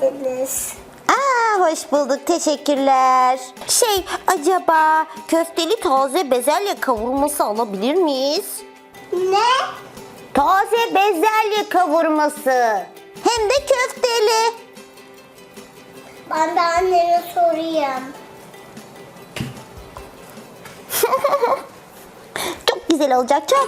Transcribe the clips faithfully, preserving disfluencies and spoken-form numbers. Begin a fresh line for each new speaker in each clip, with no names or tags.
geldiniz.
Aa, hoş bulduk, teşekkürler. Şey, acaba köfteli taze bezelye kavurması alabilir miyiz?
Ne?
Taze bezelye kavurması. Hem de köfteli.
Ben de anneme sorayım.
Çok güzel olacak, çok.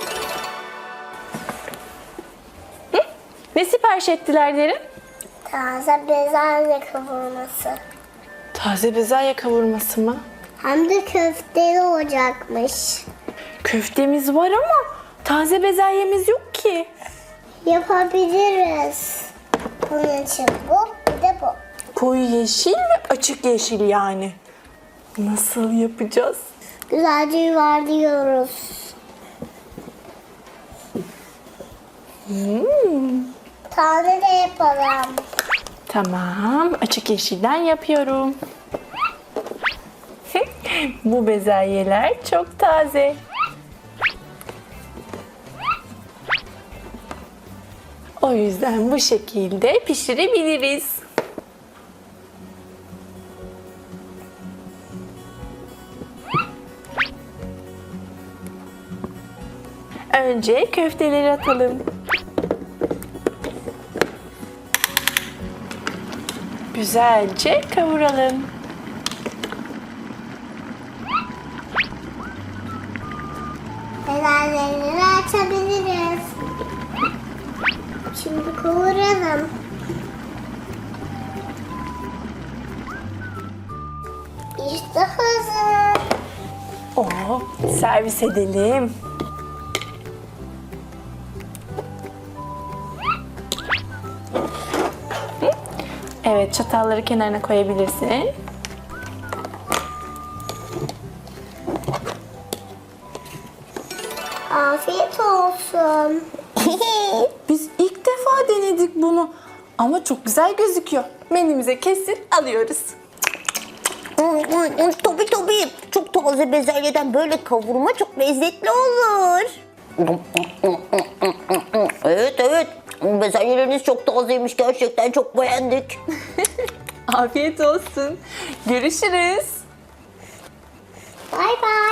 Ne sipariş ettiler derin?
Taze bezelye kavurması.
Taze bezelye kavurması mı?
Hem de köfteli olacakmış.
Köftemiz var ama taze bezelyemiz yok ki.
Yapabiliriz. Bunun için bu, bir de bu.
Koyu yeşil ve açık yeşil yani. Nasıl yapacağız?
Güzelce yuvarlıyoruz.
Hmm.
Tane de yapalım.
Tamam, açık yeşilden yapıyorum. Bu bezelyeler çok taze. O yüzden bu şekilde pişirebiliriz. Önce köfteleri atalım. Güzelce kavuralım.
Bezelyeleri açabiliriz. Şimdi kavuralım. İşte hazır.
Oo, servis edelim. Evet, çatalları kenarına koyabilirsin.
Afiyet olsun.
Biz ilk defa denedik bunu. Ama çok güzel gözüküyor. Menümüze kesin alıyoruz.
Tabii tabii. Çok taze bezelyeden böyle kavurma çok lezzetli olur. Evet evet. Bezelyeleriniz çok tazeymiş. Gerçekten çok beğendik.
Afiyet olsun. Görüşürüz.
Bay bay.